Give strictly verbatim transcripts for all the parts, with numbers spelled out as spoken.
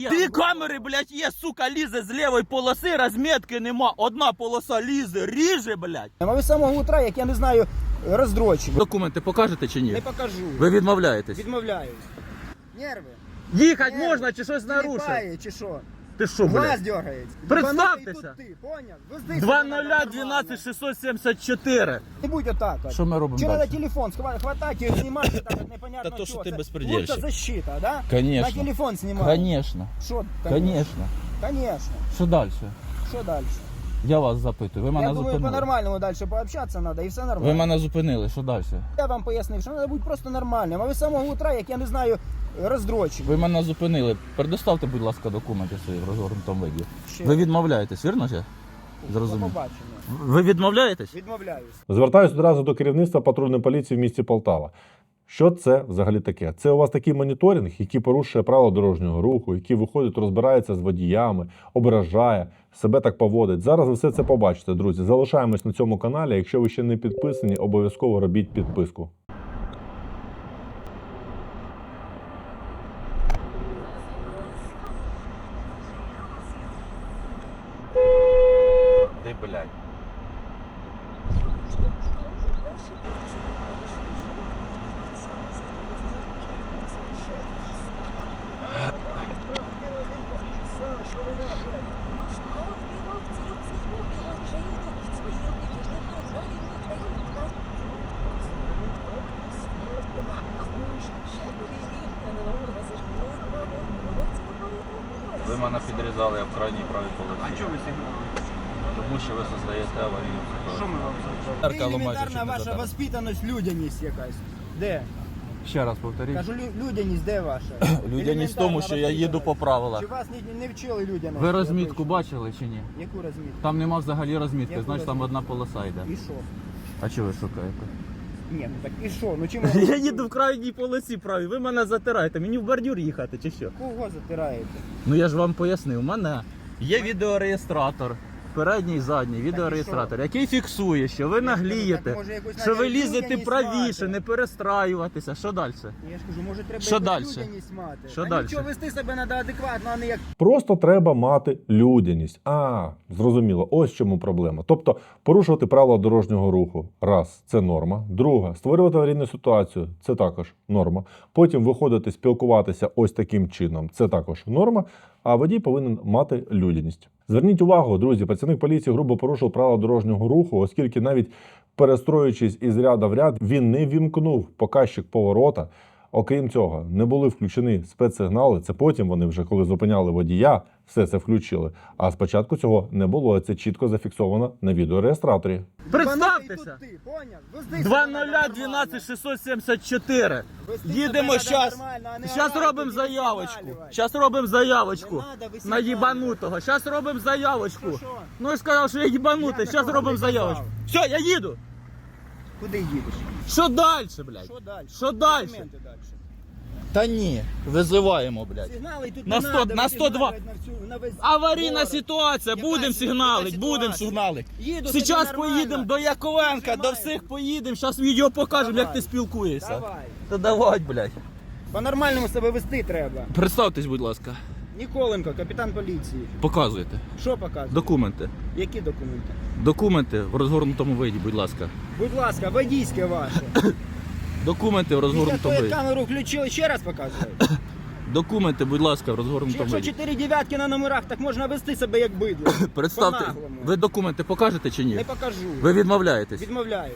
Дві камери, блядь, є, сука, лізе з лівої полоси, розмітки нема. Одна полоса лізе, ріже, блядь. А ви з самого утра, як я не знаю, роздрочив. Документи покажете чи ні? Не покажу. Ви відмовляєтесь? Відмовляюсь. Нерви. Їхати Нерви. можна чи щось нарушив? Тіліпає, чи що? Ти що, Глаз блядь? дергається. Представтеся. Тут ти, поняв? Везди два себе нуля нормально. дванадцять шістсот сімдесят чотири. Не будь отак. от. Що ми робимо Чи далі? треба телефон схва- хватати і знімати так, от непонятно Та то, що що. ти Це безпредельщик. лучше защита, да? Конечно. На телефон знімати. Конечно. Що? Конечно. Конечно. Що далі? Що далі? Я вас запитую. Ви мене Я думаю, зупинили. по-нормальному далі пообщатися треба і все нормально. Ви мене зупинили, що далі? Я вам пояснив, що треба бути просто нормальним. А ви з самого утра, як я не знаю, роздрочив. Ви мене зупинили. Предоставте, будь ласка, документи свої в розгорнутому виді. Ще. Ви відмовляєтесь, вірно ж? До Зрозумів. побачення. Ви відмовляєтесь? Відмовляюсь. Звертаюсь одразу до керівництва патрульної поліції в місті Полтава. Що це взагалі таке? Це у вас такий моніторинг, який порушує правила дорожнього руху, який виходить, розбирається з водіями, ображає, себе так поводить. Зараз ви все це побачите, друзі. Залишаємось на цьому каналі. Якщо ви ще не підписані, обов'язково робіть підписку. Ти, блядь. Ви мене підрізали в крайній правій полосі. А чого ви сигналили? Тому що ви создаєте аварійну Що ситуацію. ми вам Зеркало майже елементарна чи не ваша задали. воспитаність, людяність якась. Де? Ще раз повторіть. Кажу, лю- людяність де ваша? Людяність в тому, що я їду по правилах. Чи вас не, не вчили людяності? Ви розмітку бачили чи ні? Яку розмітку? Там нема взагалі розмітки, Яку значить там розмітку? одна полоса йде. І що? А чого ви шукаєте? Ні, ну так і що? Ну чим Я їду в крайній полосі правій, ви мене затираєте, мені в бордюр їхати чи що? Кого затираєте? Ну я ж вам пояснив, у мене є відеореєстратор, передній і задній відеореєстратор, який фіксує, що ви наглієте, Так, може, якусь що ви навіть лізете людяність правіше, мати? не перестраюватися. Що далі? Я ж кажу, може треба Що якусь дальше? людяність мати. Що Та дальше? нічого, вести себе треба адекватно, а не як Просто треба мати людяність. А, зрозуміло, ось в чому проблема. Тобто порушувати правила дорожнього руху. Раз, це норма. Друга, створювати аварійну ситуацію. Це також норма. Потім виходити, спілкуватися ось таким чином. Це також норма. А водій повинен мати людяність. Зверніть увагу, друзі, працівник поліції грубо порушив правила дорожнього руху, оскільки навіть перестроюючись із ряда в ряд, він не вімкнув показчик поворота. Окрім цього, не були включені спецсигнали. Це потім вони вже, коли зупиняли водія, все це включили. А спочатку цього не було. Це чітко зафіксовано на відеореєстраторі. Представтеся! Ти, поняв? Везди два себе нуля нормально. дванадцять шістсот сімдесят чотири. Вести Їдемо себе зараз. нормально, а не Зараз орати, робимо не заявочку. висмалювати. Зараз робимо заявочку. Не надо висмалювати. На їбанутого. Зараз робимо заявочку. Що, що? Ну я сказав, що я їбанутий. Я Зараз такого робимо не казав. заявочку. Все, я їду. Куди їдеш? Що далі, блядь? Що далі? Що далі? Документи далі. Та ні, визиваємо, блядь. Сигнали тут На не сто- надо, на ви сто два. сигналювати на всю- на весь Аварійна город. ситуація, Яка будемо ситуація? сигналити, Яка будемо ситуація? сигналити. Їду собі Зараз нормально. поїдемо до Яковенка, до Нажимаємо. всіх поїдемо, зараз відео покажемо, як Давай. ти спілкуєшся. Давай. Та давай, блядь. По-нормальному себе вести треба. Представтесь, будь ласка. Ніколенко, капітан поліції. Показуйте. Що показує? Документи. Які документи? Документи в розгорнутому виді, будь ласка. Будь ласка, водійське ваше. Документи в Після розгорнутому того, як виді. камеру включили, ще раз показує. Документи, будь ласка, в розгорнутому Якщо виді. чотири дев'ятки на номерах, так можна вести себе як бидло. Представте, По-наглому. ви документи покажете чи Не ні? покажу. Ви відмовляєтесь? Відмовляюсь.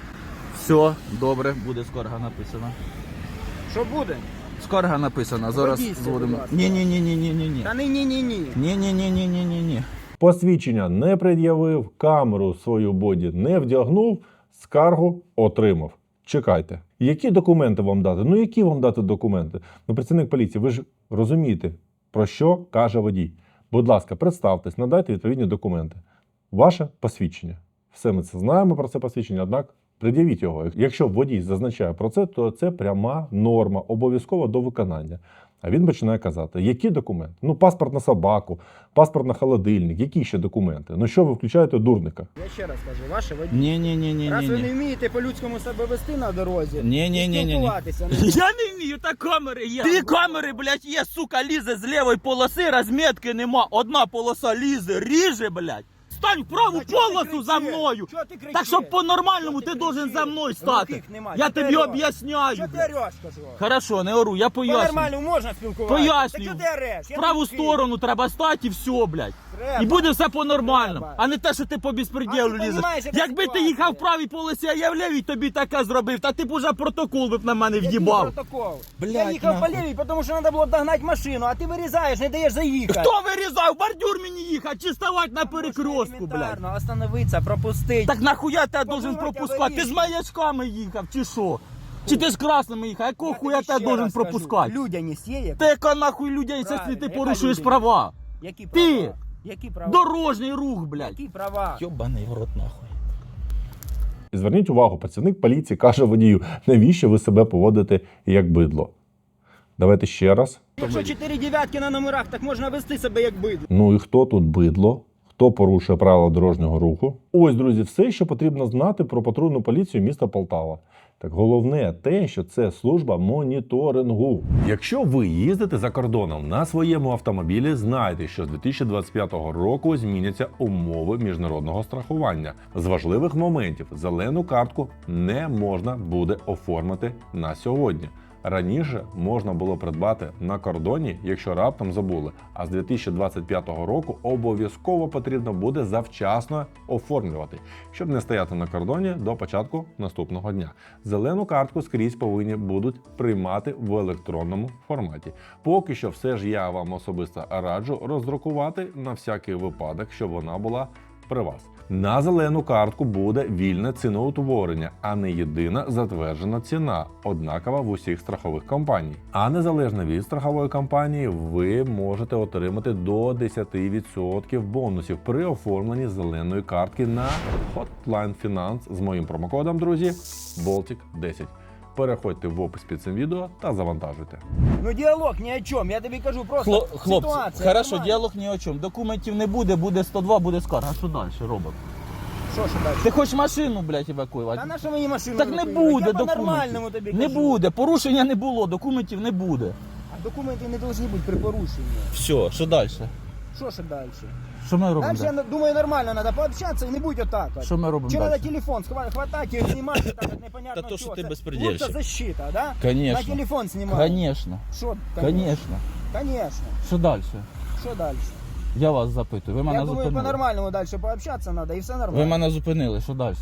Все, добре, буде скарга написана. Що буде? Скарга написана, зараз Водійське, зводимо. будь ласка. Ні, ні, ні, ні, ні, ні, ні. Та ні, ні, ні, ні. Ні, ні, ні, ні, ні, ні, ні. Посвідчення не пред'явив, камеру свою боді не вдягнув, скаргу отримав. Чекайте. Які документи вам дати? Ну які вам дати документи? Ну, працівник поліції, ви ж розумієте, про що каже водій. Будь ласка, представтесь, надайте відповідні документи. Ваше посвідчення. Все ми це знаємо про це посвідчення, однак пред'явіть його. Якщо водій зазначає про це, то це пряма норма, обов'язково до виконання. А він починає казати, які документи? Ну, паспорт на собаку, паспорт на холодильник, які ще документи? Ну що ви включаєте дурника? Я ще раз кажу, ваше водій. Ні, ні, ні, ні, Раз ні. ви не вмієте по-людському себе вести на дорозі, Ні, ні, ні, ні, ні. спілкуватися, не Я не вмію, та камери є. Дві камери, блядь, є, сука, лізе з лівої полоси, розмітки нема. Одна полоса лізе, ріже, блядь. Стань в праву Та чого ти полосу кричиш? за мною. Чого ти кричиш? Так, щоб по-нормальному Чого ти ти должен кричиш? за мною стати. Руких нема. Я Чого ти тобі ореш? об'ясняю, Що ти блядь. ореш, кажу? Хорошо, не ору, я поясню. По-нормальному можна спілкуватися. Пояснюю. Та чого ти ореш? В Я праву не вмію. сторону треба стати і все, блядь. Треба. І буде все по-нормальному, Треба. а не те, що ти по безпреділу А ти лізеш. понімаєш, яка Якби ти ситуація? їхав в правій полосі, а я в лівій, тобі таке зробив, та ти б уже протокол би б на мене Який в'їбав. протокол? Блядь, Я їхав нахуй. по лівій, тому що треба було догнати машину, а ти вирізаєш, не даєш заїхати. Хто вирізав? Бордюр мені їхати чи ставати на перекрестку, блядь? Елементарно, остановитися, пропустити. Так нахуя тебе должен Подумайте, пропускати? Ти з аварійки. маячками їхав, чи що? Чи ти з красними їхав? Якого Я хуя тобі тебе ще должен раз кажу, пропускати? Людяність є яка? Ти яка нахуй людей, якщо Правильно, ти яка порушуєш людяність? права? Які Ти! права? Які права? Дорожній рух, блядь. Які права? Йобаний в рот нахуй. І зверніть увагу, працівник поліції каже водію, навіщо ви себе поводите як бидло? Давайте ще раз. Якщо чотири дев'ятки на номерах, так можна вести себе як бидло. Ну і хто тут бидло? Хто порушує правила дорожнього руху? Ось, друзі, все, що потрібно знати про патрульну поліцію міста Полтава. Так головне те, що це служба моніторингу. Якщо ви їздите за кордоном на своєму автомобілі, знайте, що з дві тисячі двадцять п'ятого року зміняться умови міжнародного страхування. З важливих моментів зелену картку не можна буде оформити на сьогодні. Раніше можна було придбати на кордоні, якщо раптом забули, а з дві тисячі двадцять п'ятого року обов'язково потрібно буде завчасно оформлювати, щоб не стояти на кордоні до початку наступного дня. Зелену картку скрізь повинні будуть приймати в електронному форматі. Поки що все ж я вам особисто раджу роздрукувати на всякий випадок, щоб вона була при вас. На зелену картку буде вільне ціноутворення, а не єдина затверджена ціна, однакова в усіх страхових компаній. А незалежно від страхової компанії, ви можете отримати до десять відсотків бонусів при оформленні зеленої картки на Hotline Finance з моїм промокодом, друзі, Болтик десять. Переходьте в опис під цим відео та завантажуйте. Ну діалог ні о чому, я тобі кажу просто Хло- Хлопці, ситуація. хорошо, нормальна. діалог ні о чому. Документів не буде, буде сто два, буде скарга. А що далі робимо? Що ж далі? Ти хочеш машину, блядь, евакуювати? Та на що мені машину Так не евакуювати? буде Я по-нормальному документів. тобі Не кажу. буде, порушення не було, документів не буде. А документи не повинні бути при порушенні. Все, що далі? Що ж далі? Що ми робимо Далі, я далі? думаю, нормально, треба пообщатися і не будь отак. от. Що ми робимо Чи треба далі? телефон схва- хватати і знімати, так от непонятно Та то, що що. ти Це безпредельщик. будто защита, да? Конечно. На телефон знімати. Конечно, Що? конечно. Конечно. Що далі? Що далі? Я вас запитую. Ви мене Я думаю, зупинили. по-нормальному далі пообщатися треба і все нормально. Ви мене зупинили, що далі?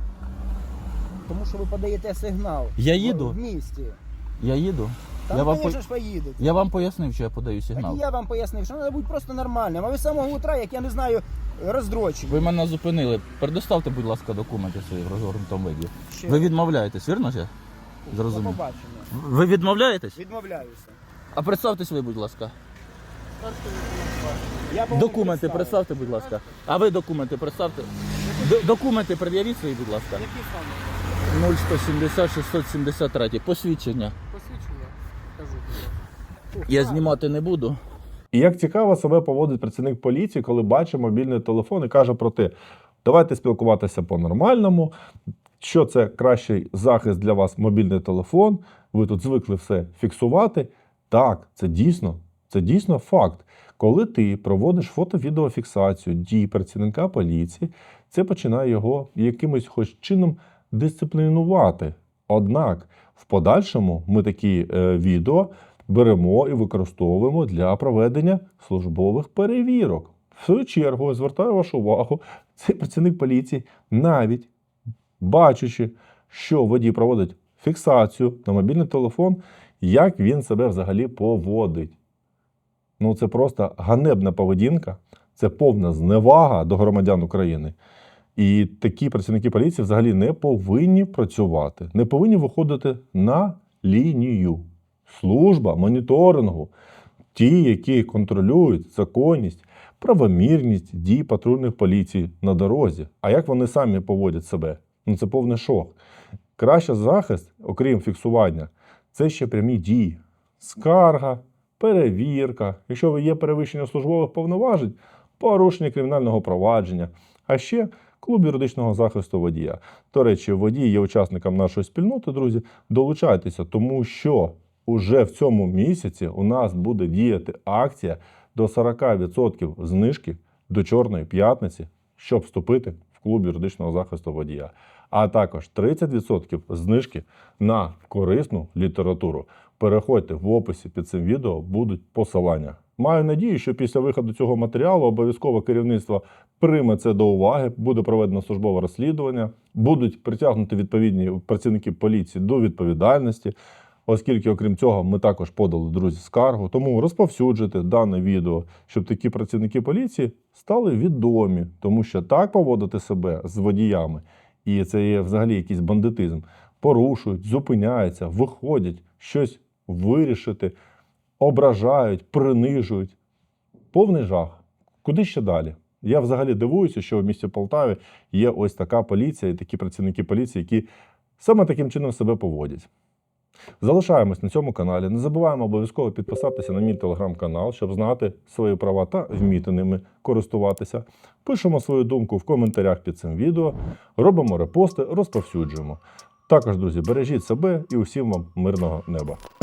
Тому що ви подаєте сигнал. Я їду? В місті. Я їду? Там, я, вам звісно по... ж, поїдете. я вам пояснив, що я подаю Так сигнал. і я вам пояснив, що треба бути просто нормальним. А ви з самого утра, як я не знаю, роздрочені. Ви мене зупинили. Предоставте, будь ласка, документи свої в розгорнутому виді. Ще Ви відмовляєтесь, вірно ж? я? До Зрозумів. побачення. Ви відмовляєтесь? Відмовляюся. А представтесь ви, будь ласка. Я, по-моєму, Документи представив. представте, будь ласка. А ви документи представте. Д- документи пред'явіть свої, будь ласка. Які саме? нуль сто сімдесят шістсот сімдесят три. Посвідчення. Посвідчення? Кажу. Я знімати не буду. І як цікаво себе поводить працівник поліції, коли бачить мобільний телефон і каже про те, давайте спілкуватися по-нормальному, що це кращий захист для вас мобільний телефон, ви тут звикли все фіксувати. Так, це дійсно, це дійсно факт. Коли ти проводиш фото-відеофіксацію дій працівника поліції, це починає його якимось хоч чином дисциплінувати. Однак в подальшому ми такі е, відео беремо і використовуємо для проведення службових перевірок. В свою чергу, звертаю вашу увагу, цей працівник поліції, навіть бачачи, що водій проводить фіксацію на мобільний телефон, як він себе взагалі поводить. Ну, це просто ганебна поведінка, це повна зневага до громадян України. І такі працівники поліції взагалі не повинні працювати, не повинні виходити на лінію. Служба моніторингу, ті, які контролюють законність, правомірність дій патрульних поліцій на дорозі. А як вони самі поводять себе? Ну це повний шок. Кращий захист, окрім фіксування, це ще прямі дії. Скарга, перевірка. Якщо ви є перевищення службових повноважень, порушення кримінального провадження. А ще клуб юридичного захисту водія. До речі, водій є учасником нашої спільноти, друзі. Долучайтеся, тому що уже в цьому місяці у нас буде діяти акція до сорок відсотків знижки до Чорної п'ятниці, щоб вступити в клуб юридичного захисту водія. А також тридцять відсотків знижки на корисну літературу. Переходьте в описі під цим відео, будуть посилання. Маю надію, що після виходу цього матеріалу обов'язково керівництво прийме це до уваги, буде проведено службове розслідування, будуть притягнуті відповідні працівники поліції до відповідальності, оскільки, окрім цього, ми також подали, друзі, скаргу. Тому розповсюджуйте дане відео, щоб такі працівники поліції стали відомі, тому що так поводити себе з водіями, і це є взагалі якийсь бандитизм, порушують, зупиняються, виходять, щось вирішити, ображають, принижують. Повний жах. Куди ще далі? Я взагалі дивуюся, що в місті Полтаві є ось така поліція і такі працівники поліції, які саме таким чином себе поводять. Залишаємось на цьому каналі. Не забуваємо обов'язково підписатися на мій телеграм-канал, щоб знати свої права та вміти ними користуватися. Пишемо свою думку в коментарях під цим відео, робимо репости, розповсюджуємо. Також, друзі, бережіть себе і усім вам мирного неба.